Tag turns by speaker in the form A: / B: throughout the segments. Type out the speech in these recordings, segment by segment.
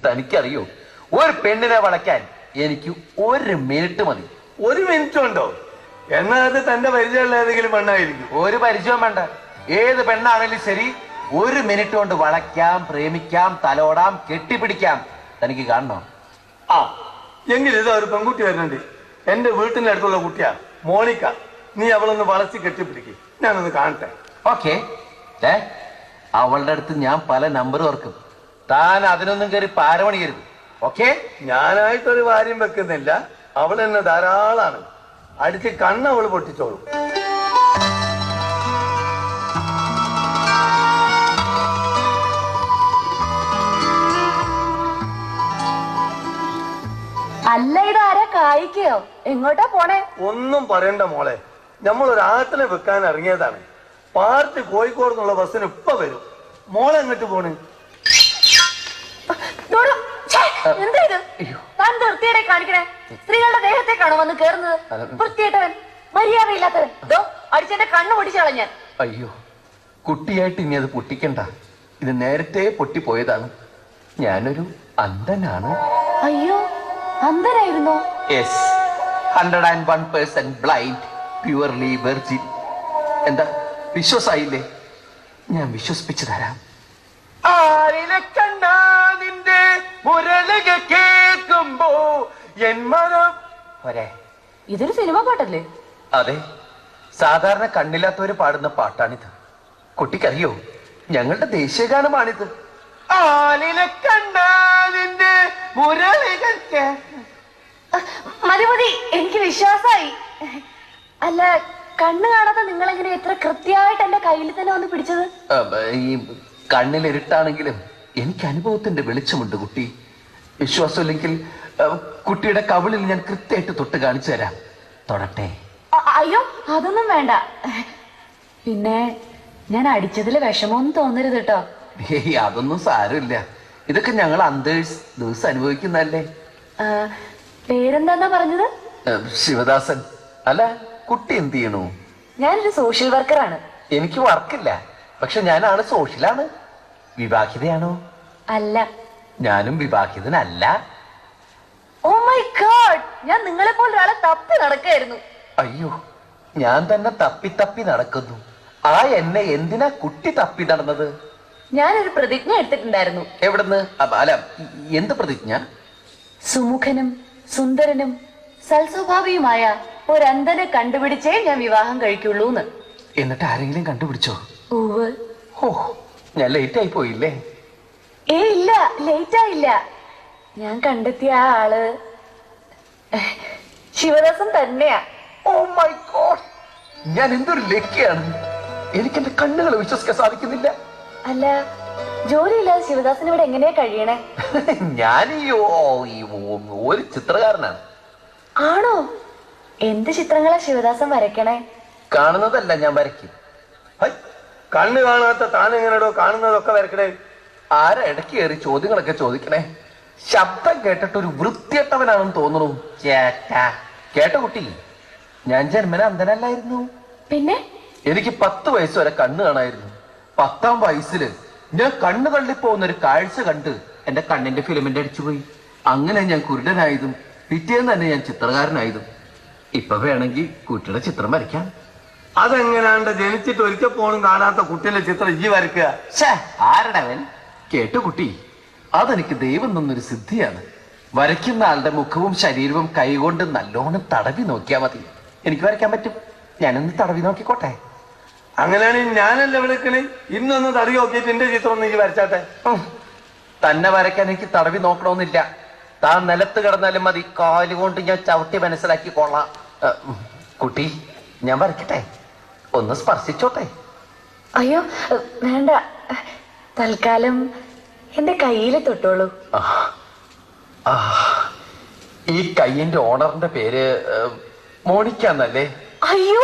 A: തനിക്കറിയോ, ഒരു പെണ്ണിനെ വളയ്ക്കാൻ എനിക്ക് 1 മിനിറ്റ് മതി.
B: 1 മിനിറ്റ് ഉണ്ടോ? എന്നാ അത് തന്റെ പരിചയമുള്ള ഏതെങ്കിലും പെണ്ണായിരിക്കും.
A: ഒരു പരിചയം വേണ്ട, ഏത് പെണ്ണാണെങ്കിലും ശരി 1 മിനിറ്റ് കൊണ്ട് വളയ്ക്കാം, പ്രേമിക്കാം, തലോടാം, കെട്ടിപ്പിടിക്കാം. തനിക്ക് കാണണോ?
B: ആ എങ്കിലും ഇതാ ഒരു പെൺകുട്ടി വരുന്നുണ്ട്. എന്റെ വീട്ടിന്റെ അടുത്തുള്ള കുട്ടിയാ, മോണിക്ക. നീ അവളൊന്ന് വളച്ച് കെട്ടിപ്പിടിക്കും, ഞാനൊന്ന് കാണട്ടെ.
A: ഓക്കെ. അവളുടെ അടുത്ത് ഞാൻ പല നമ്പർ ഓർക്കും. താൻ അതിനൊന്നും കയറി പാരമണിയരുത്. ഓക്കെ?
B: ഞാനായിട്ടൊരു കാര്യം വെക്കുന്നില്ല, അവൾ എന്നെ ധാരാളാണ്. അടിച്ച് കണ്ണ് അവള് പൊട്ടിച്ചോളും.
C: അല്ല, ഇതാരാ കായിക്കയോ? എങ്ങോട്ടാ പോണേ?
B: ഒന്നും പറയണ്ട മോളെ, നമ്മളൊരാട്ടിനെ വെക്കാൻ ഇറങ്ങിയതാണ്. പാർട്ടി കോഴിക്കോട് നിന്നുള്ള ബസ്സിന് ഇപ്പൊ വരും. മോളെ എങ്ങോട്ട് പോണ്?
C: എന്താ ഇത്? താൻ വൃത്തിയുടെ കാണിക്കണേ? സ്ത്രീകളുടെ ദേഹത്തേക്കാണോ വന്ന് കേറുന്നത്? വൃത്തിയായിട്ടവൻ, മര്യാദയില്ലാത്തവൻ. അടിച്ചെന്റെ കണ്ണ് പൊടിച്ചു കളഞ്ഞാൻ.
A: അയ്യോ, കുട്ടിയായിട്ട് ഇനി അത് പൊട്ടിക്കണ്ട. ഇത് നേരത്തെ പൊട്ടിപ്പോയതാണ്. ഞാനൊരു അന്ധനാണ്.
C: അയ്യോ, അന്ധനായിരുന്നോ?
A: Yes, 101% blind, purely virgin. എന്താ, വിശ്വാസായില്ലേ? ഞാൻ വിശ്വസിപ്പിച്ചു തരാം. ആരിലെ കണ്ടാ നിന്റെ മുരളിക കേൾക്കുമ്പോ എൻ മനം പോരെ.
C: ഇതൊരു സിനിമ പാട്ടല്ലേ?
A: അതെ, സാധാരണ കണ്ണില്ലാത്തവര് പാടുന്ന പാട്ടാണിത്. കുട്ടിക്കറിയോ, ഞങ്ങളുടെ ദേശീയഗാനമാണിത്. ആലിലെ കണ്ടാ നിന്റെ മുരളിക.
C: മതി മതി, എനിക്ക് വിശ്വാസായി. അല്ല, കണ്ണ് കാണാതെ നിങ്ങൾ എങ്ങനെ ഇത്ര കൃത്യമായിട്ട് എന്റെ കയ്യിൽ തന്നെ വന്ന് പിടിച്ചത്?
A: ഈ കണ്ണിലിരുട്ടാണെങ്കിലും എനിക്ക് അനുഭവത്തിന്റെ വെളിച്ചമുണ്ട് കുട്ടി. വിശ്വാസമില്ലെങ്കിൽ കുട്ടിയുടെ കവിളിൽ ഞാൻ കൃത്യമായിട്ട് തൊട്ട് കാണിച്ചു തരാം. തൊടട്ടെ?
C: അയ്യോ, അതൊന്നും വേണ്ട. പിന്നെ ഞാൻ അടിച്ചതില് വിഷമമൊന്നും തോന്നരുത് കേട്ടോ.
A: അതൊന്നും സാരമില്ല. ഇതൊക്കെ ഞങ്ങൾ അന്തേഴ്സ് ദിവസം അനുഭവിക്കുന്നല്ലേ.
C: പേരെന്താന്നാ പറഞ്ഞത്?
A: ശിവദാസൻ. അല്ല, കുട്ടി എന്ത് ചെയ്യണു?
C: ഞാനൊരു സോഷ്യൽ വർക്കറാണ്.
A: എനിക്ക് വർക്കില്ല, പക്ഷെ ഞാനാണ് സോഷ്യലാണ്. വിവാഹിതയാണോ?
C: അല്ല.
A: ഞാനും വിവാഹിതനല്ല.
C: ഓ മൈ ഗോഡ്, ഞാൻ നിങ്ങളെ പോലെ ഒരാളെ തപ്പി നടക്കായിരുന്നു.
A: അയ്യോ, ഞാൻ തന്നെ തപ്പി തപ്പി നടക്കുന്നു. ആ എന്നെ എന്തിനാ കുട്ടി തപ്പി നടന്നത്?
C: ഞാനൊരു പ്രതിജ്ഞ എടുത്തിട്ടുണ്ടായിരുന്നു.
A: എവിടുന്ന്? അല്ല, എന്ത് പ്രതിജ്ഞ?
C: സുമുഖനും സുന്ദരനും സൽസ്വഭാവിയുമായ ഒരന്ധനെ കണ്ടുപിടിച്ചേ ഞാൻ വിവാഹം കഴിക്കുള്ളൂന്ന്.
A: എന്നിട്ട് ആരെങ്കിലും കണ്ടുപിടിച്ചോ?
C: ഉവ്വ്.
A: ഓ, ഞാൻ ലേറ്റ് ആയി പോയില്ലേ?
C: ഇല്ല, ലേറ്റ് ആയില്ല. ഞാൻ കണ്ടെത്തിയ ആ ആള് ശിവദാസൻ തന്നെയാ.
A: ഓ മൈ ഗോഡ്, ഞാൻ എന്തൊരു ലക്കിയാണ്. എനിക്ക് എന്റെ കണ്ണുകളെ വിശ്വസിക്കാൻ സാധിക്കുന്നില്ല.
C: അല്ല, ജോലിയില്ലാതെ ശിവദാസൻ ഇവിടെ എങ്ങനെയാ കഴിയണേ?
A: ഞാൻ ഒരു ചിത്രകാരനാണ്.
C: ആണോ? എന്ത് ചിത്രങ്ങളാ ശിവദാസൻ വരയ്ക്കണേ?
A: കാണുന്നതല്ല ഞാൻ വരയ്ക്കും.
B: കണ്ണ് കാണാത്ത താനെങ്ങനെയോ കാണുന്നതൊക്കെ വരക്കണേ?
A: ആരാ ഇടയ്ക്ക് കയറി ചോദ്യങ്ങളൊക്കെ ചോദിക്കണേ? ശബ്ദം കേട്ടിട്ട് ഒരു വൃത്തിയട്ടവനാണെന്ന് തോന്നുന്നു. ചേട്ടാ, കേട്ടോ കുട്ടി, ഞാൻ ജന്മന അന്ധനല്ലായിരുന്നു.
C: പിന്നെ
A: എനിക്ക് 10 വയസ്സ് വരെ കണ്ണ് കാണായിരുന്നു. 10ാം വയസ്സില് ഞാൻ കണ്ണ് തള്ളിപ്പോകുന്ന ഒരു കാഴ്ച കണ്ട് എന്റെ കണ്ണിന്റെ ഫിലിമിന്റെ അടിച്ചുപോയി. അങ്ങനെ ഞാൻ കുരുടനായതും പിറ്റേന്ന് തന്നെ ഞാൻ ചിത്രകാരനായതും. ഇപ്പൊ വേണമെങ്കിൽ കുട്ടിയുടെ ചിത്രം വരയ്ക്കാം.
B: അതെങ്ങനെയാണ്ട് ജനിച്ചിട്ട് ഒരിക്കൽ പോലും കാണാത്ത കുട്ടിയുടെ ചിത്രം ഈ വരയ്ക്കുക?
A: ആരടവൻ? കേട്ടു കുട്ടി, അതെനിക്ക് ദൈവം തന്നൊരു സിദ്ധിയാണ്. വരയ്ക്കുന്ന ആളുടെ മുഖവും ശരീരവും കൈകൊണ്ട് നല്ലോണം തടവി നോക്കിയാൽ മതി. എനിക്ക് വരയ്ക്കാൻ പറ്റും. ഞാനൊന്ന് തടവി നോക്കിക്കോട്ടെ?
B: അങ്ങനെയാണെങ്കിൽ ഞാനല്ലേ വിളിക്കണേ? ഇന്നൊന്ന് തടവി നോക്കിയിട്ട് എന്റെ ചിത്രം ഒന്ന് ഈ വരച്ചാട്ടെ.
A: തന്നെ വരയ്ക്കാൻ എനിക്ക് തടവി നോക്കണമെന്നില്ല. താൻ നിലത്ത് കിടന്നാലും മതി, കാലുകൊണ്ട് ഞാൻ ചവിട്ടി മനസ്സിലാക്കി കൊള്ളാം. കുട്ടി, ഞാൻ വരയ്ക്കട്ടെ? ഒന്ന് സ്പർശിച്ചോട്ടെ?
C: അയ്യോ വേണ്ട, തൽക്കാലം എന്റെ കയ്യില് തൊട്ടോളൂ.
A: ഈ കയ്യിന്റെ ഓണറിന്റെ പേര് മോണിക്ക എന്നല്ലേ?
C: അയ്യോ,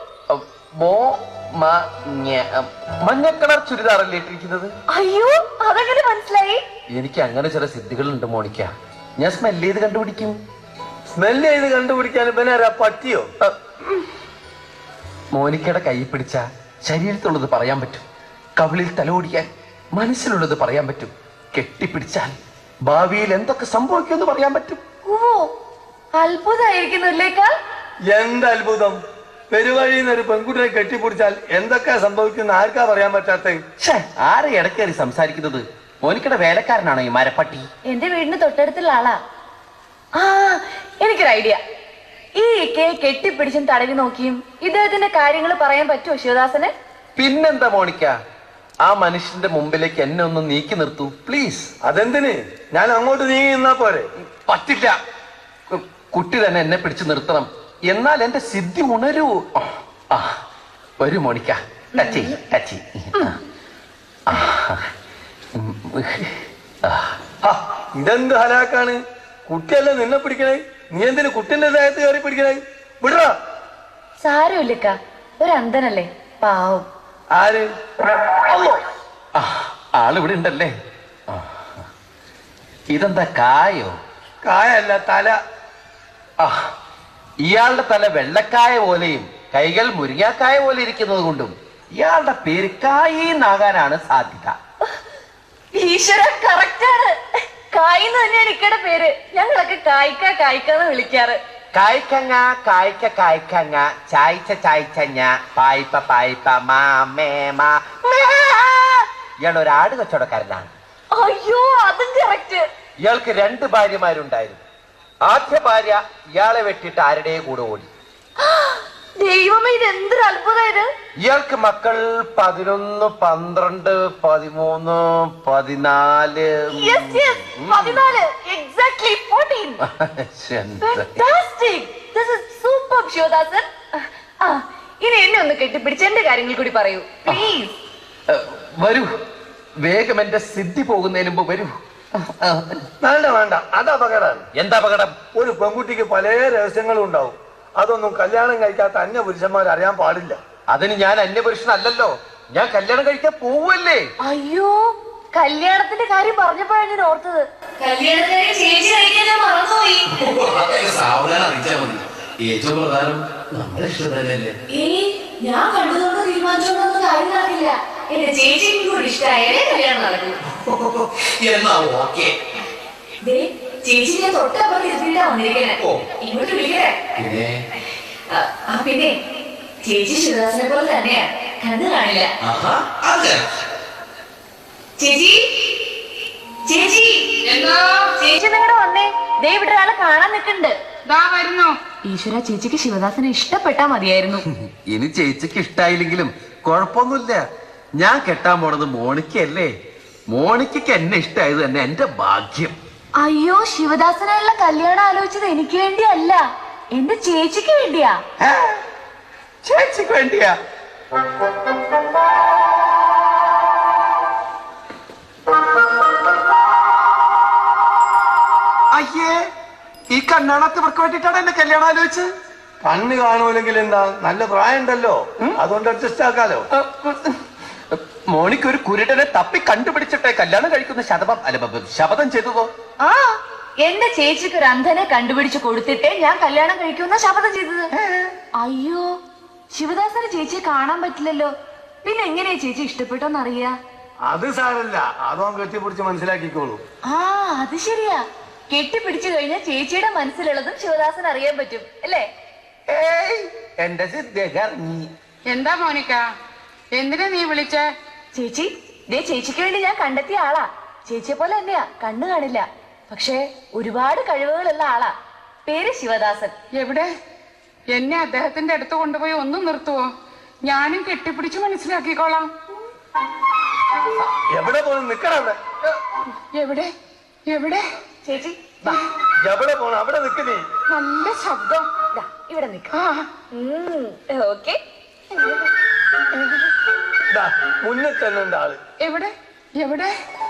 A: മഞ്ഞ കളർ ചുരിദാറല്ലേ ഇട്ടിരിക്കുന്നത്?
C: അയ്യോ, അതെങ്ങനെ മനസ്സിലായി?
A: എനിക്ക് അങ്ങനെ ചില സിദ്ധികളുണ്ട് മോണിക്ക. ഞാൻ സ്മെല് ചെയ്ത് കണ്ടുപിടിക്കും.
B: സ്മെല് ചെയ്ത് കണ്ടുപിടിക്കാൻ പിന്നെ പറ്റിയോ?
A: മോനിക്കയുടെ കൈ പിടിച്ച ശരീരത്തുള്ളത് പറയാൻ പറ്റും. കവിളിൽ തലോടിയാൽ മനസ്സിലുള്ളത് പറയാൻ പറ്റും. കെട്ടിപ്പിടിച്ചാൽ ഭാവിയിൽ എന്തൊക്കെ സംഭവിക്കുമെന്ന് പറയാൻ പറ്റും.
C: ഓ അത്ഭുതമായിരിക്കുന്നില്ലേക്കാ.
B: എന്ത് അത്ഭുതം! പെരുവഴിയിൽ നിന്ന് ഒരു പെൺകുട്ടിയെ കെട്ടിപ്പിടിച്ചാൽ എന്തൊക്കെയാ സംഭവിക്കുന്ന ആർക്കാ പറയാൻ പറ്റാത്ത?
A: ആരെ ഇടക്കേറി സംസാരിക്കുന്നത്? മോനിക്കയുടെ വേലക്കാരനാണോ ഈ മരപ്പട്ടി?
C: എന്റെ വീടിന് തൊട്ടടുത്തുള്ള ആളാ. ആ എനിക്കൊരു ഐഡിയ. ഈ കെട്ടിപ്പിടിച്ചും തടവി നോക്കിയും ഇദ്ദേഹത്തിന്റെ കാര്യങ്ങൾ പറയാൻ പറ്റുമോ ശിവദാസന്?
A: പിന്നെന്താ മോണിക്ക, ആ മനുഷ്യന്റെ മുമ്പിലേക്ക് എന്നെ ഒന്ന് നീക്കി നിർത്തൂ പ്ലീസ്.
B: അതെന്തിന്? ഞാൻ അങ്ങോട്ട് നീങ്ങി നിന്നാ പോരെ?
A: പറ്റില്ല. കുട്ടി തന്നെ എന്നെ പിടിച്ചു നിർത്തണം, എന്നാൽ എന്റെ സിദ്ധി ഉണരൂ. വരൂ മോണിക്ക, ടച്ച് ടച്ച്.
B: ഇതെന്ത് ഹലാക്കാണ്? കുട്ടിയല്ലേ നിന്നെ പിടിക്കണേ, നീ എന്തിനു കുട്ടിന്റെ ദേഹത്ത് കയറി പിടിക്കണേ? വിടറാ.
C: സാരമില്ലക്ക, ഒരു അന്ധനല്ലേ, പാവം.
B: ആര്?
A: ആളിവിടെ ഉണ്ടല്ലേ. ഇതെന്താ കായോ?
B: കായല്ല, തല.
A: ഇയാളുടെ തല വെള്ളക്കായ പോലെയും കൈകൾ മുരിങ്ങാക്കായ പോലെ ഇരിക്കുന്നത് കൊണ്ടും ഇയാളുടെ പേര് കായിന്നാകാനാണ് സാധ്യത.
C: ഈശ്വര, കറക്റ്റാണ്. കായിന്ന് തന്നെയാണ് ഇക്കടെ പേര്. ഞങ്ങളൊക്കെ കായ്ക്കാന്ന് വിളിക്കാറ്.
A: കായ്ക്കങ്ങ കായ്ക്ക കായ്ക്കങ്ങ ചായ്ച്ച ചായ്ച്ചഞ്ഞ പായ്പ പായ്പ മാമേമാ. ഇയാൾ ഒരു ആട് കച്ചവടക്കാരനാണ്.
C: അയ്യോ, അതും കറക്റ്റ്.
A: ഇയാൾക്ക് 2 ഭാര്യമാരുണ്ടായിരുന്നു. ആദ്യ ഭാര്യ ഇയാളെ വെട്ടിയിട്ട് ആരുടെയും കൂടെ ഓടി.
C: ദൈവമേ, ഇത് എന്തൊരു അത്ഭുതം ഇത്.
A: ഇയാൾക്ക് മക്കൾ 11, 12, 13, 14.
C: Yes, 14. Exactly 14. Fantastic. This is superb, Sivadasan. ഇനി എന്നെ ഒന്ന് കെട്ടിപ്പിടിച്ച് എന്റെ കാര്യങ്ങൾ കൂടി പറയൂ പ്ലീസ്.
A: വരൂ, വേഗം എന്റെ സിദ്ധി പോകുന്നതിന് മുമ്പ് വരൂ.
B: വേണ്ട വേണ്ട, അത് അപകടമാണ്.
A: എന്താ അപകടം?
B: ഒരു പെൺകുട്ടിക്ക് പല രഹസ്യങ്ങളും ഉണ്ടാവും. അതൊന്നും കല്യാണം കഴിക്കാത്ത അന്യ പുരുഷന്മാർ അറിയാൻ പാടില്ല.
A: അതിന് ഞാൻ അന്യപുരുഷനല്ലല്ലോ, ഞാൻ കല്യാണം കഴിക്കാൻ പോവല്ലേ.
C: അയ്യോ, കല്യാണത്തിന്റെ കാര്യം പറഞ്ഞപ്പോഴാണ് ഞാൻ ഓർത്തത്. കല്യാണത്തിന് ചേച്ചി കഴിക്കാൻ ഞാൻ മറന്നുപോയി.
D: സാവധാനം അറിയിച്ചാൽ മതി. ഏറ്റവും പ്രധാനം നമ്മുടെ ഇഷ്ടം തന്നെയല്ലേ.
C: ഞാൻ കണ്ടതുകൊണ്ട് തീരുമാനിച്ചോണ്ടൊന്നും കാര്യം നടക്കില്ല. എന്റെ ചേച്ചിയും കൂടി ഇഷ്ടമായാലേ കല്യാണം നടക്കൂ.
D: എന്നാ ഓക്കെ.
C: ചേച്ചി ഞാൻ തൊട്ടപ്പുറത്ത് ഇരുത്തിട്ടാ വന്നിരിക്കണേ. ഇങ്ങോട്ട് വിളിക്കണേ. പിന്നെ ചേച്ചി ശിവദാസനെ പോലെ തന്നെയാ, കണ്ണു കാണില്ല. ചേച്ചി ചേച്ചി ചേച്ചി നിങ്ങളുടെ വന്നേ. ദേ ഇവിടെ ഒരാളെ കാണാൻ നിൽക്കുന്നുണ്ട്. ഈശ്വര, ചേച്ചിക്ക് ശിവദാസനെ ഇഷ്ടപ്പെട്ടാ മതിയായിരുന്നു.
A: ഇനി ചേച്ചിക്ക് ഇഷ്ടായില്ലെങ്കിലും കുഴപ്പമൊന്നുമില്ല. ഞാൻ കെട്ടാൻ പോണത് മോണിക്കല്ലേ. മോണിക്കയ്ക്ക് എന്നെ ഇഷ്ടായത് തന്നെ എന്റെ ഭാഗ്യം.
C: അയ്യോ, ശിവദാസനായുള്ള കല്യാണം ആലോചിച്ചത് എനിക്ക് വേണ്ടിയല്ല, എന്റെ ചേച്ചിക്ക് വേണ്ടിയാ.
A: ചേച്ചിക്ക് വേണ്ടിയാ? അയ്യേ, ഈ കണ്ണാണത്തവർക്ക് വേണ്ടിട്ടാണ് എന്നെ കല്യാണം ആലോചിച്ചത്.
B: കണ്ണ് കാണൂലെങ്കിൽ എന്താ, നല്ല പ്രായം ഉണ്ടല്ലോ, അതുകൊണ്ട് അഡ്ജസ്റ്റ് ആക്കാലോ.
A: മോണിക്ക് ഒരു കുരുടനെ തപ്പി കണ്ടുപിടിച്ചിട്ടേ കല്യാണം കഴിക്കുന്ന ശപഥം ചെയ്തതോ?
C: ആ, എന്റെ ചേച്ചിക്ക് ഒരു അന്ധനെ കണ്ടുപിടിച്ച് കൊടുത്തിട്ടേ ഞാൻ കല്യാണം കഴിക്കുന്ന ശപഥം ചെയ്തത്. അയ്യോ, ശിവദാസന് ചേച്ചിയെ കാണാൻ പറ്റില്ലല്ലോ, പിന്നെ എങ്ങനെയാ ചേച്ചി ഇഷ്ടപ്പെട്ടോന്നറിയാ?
B: അത് സാരല്ല, അതോ കെട്ടിപ്പിടിച്ച് മനസ്സിലാക്കിക്കോളൂ.
C: ആ, അത് ശരിയാ. കെട്ടിപ്പിടിച്ചു കഴിഞ്ഞാൽ ചേച്ചിയുടെ മനസ്സിലുള്ളതും ശിവദാസൻ അറിയാൻ പറ്റും അല്ലേ?
A: എന്റെ സിദ്ധി.
E: എന്താ മോനിക്ക, എന്തിനാ നീ വിളിച്ച?
C: ചേച്ചി, ദേ ചേച്ചിക്ക് വേണ്ടി ഞാൻ കണ്ടെത്തിയ ആളാ. ചേച്ചിയെ പോലെ തന്നെയാ, കണ്ണു കാണില്ല, പക്ഷേ ഒരുപാട് കഴിവുകളുള്ള ആളാ. പേര് ശിവദാസൻ.
E: എവിടെ? എന്നെ അദ്ദേഹത്തിന്റെ അടുത്ത് കൊണ്ടുപോയി ഒന്ന് നിർത്തുവോ? ഞാനും കെട്ടിപ്പിടിച്ച് മനസ്സിലാക്കിക്കോളാം.
B: എവിടെ പോണം? നിക്കണവിടെ.
E: എവിടെ എവിടെ?
C: ചേച്ചി
B: എവിടെ പോണം? അവിടെ നിക്കുന്നേ.
E: നല്ല ശബ്ദം.
C: ഇവിടെ നിക്ക. ഓക്കെ,
B: മുന്നിൽ തന്നെ ഉണ്ട് ആള്.
E: എവിടെ എവിടെ?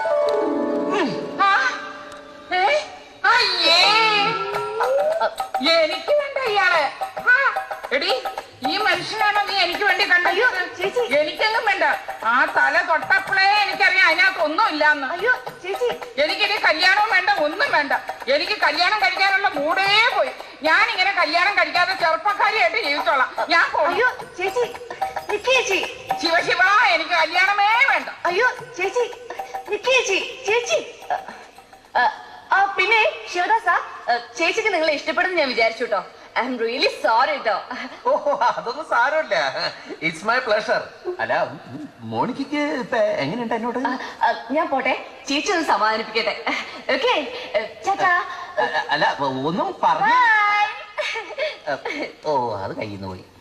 E: അയ്യേ, എനിക്ക് വേണ്ട ഇയാളെ. എടി, ഈ മനുഷ്യനാണോ നീ എനിക്ക് വേണ്ടി കണ്ടയോ? എനിക്കൊന്നും വേണ്ട. ആ തല തൊട്ടപ്പോഴേ എനിക്കറിയാം അതിനകത്ത് ഒന്നും ഇല്ലാന്ന്.
C: അയ്യോ ചേച്ചി,
E: എനിക്കിനി കല്യാണവും വേണ്ട, ഒന്നും വേണ്ട. എനിക്ക് കല്യാണം കഴിക്കാനുള്ള മൂടേ പോയി. ഞാൻ ഇങ്ങനെ കല്യാണം കഴിക്കാതെ ചെറുപ്പക്കാരിയായിട്ട് ജീവിച്ചോളാം. ഞാൻ
C: അയ്യോ ചേച്ചി, ചേച്ചി,
E: ശിവ ശിവ, എനിക്ക് കല്യാണമേ വേണ്ട.
C: അയ്യോ ചേച്ചി, ചേച്ചി, ചേച്ചി, പിന്നെ ശിവദാസ, ചേച്ചിക്ക് നിങ്ങളെ ഇഷ്ടപ്പെടുന്നു ഞാൻ വിചാരിച്ചു കേട്ടോ. ഐ എം റിയലി സോറി കേട്ടോ.
A: ഓഹോ, അതൊന്നും സാരമില്ല. It's my pleasure. അല്ല, മോണിക്ക് ഇപ്പൊ എങ്ങനെയുണ്ട് എന്നോട്?
C: ഞാൻ പോട്ടെ, ചേച്ചി ഒന്ന് സമാധാനിപ്പിക്കട്ടെ. ഓക്കെ, ചേട്ടാ.
A: അല്ല, ഒന്നും പറഞ്ഞു.
C: ബൈ.
A: ഓ, അത് കയ്യിൽ നിന്ന് പോയി.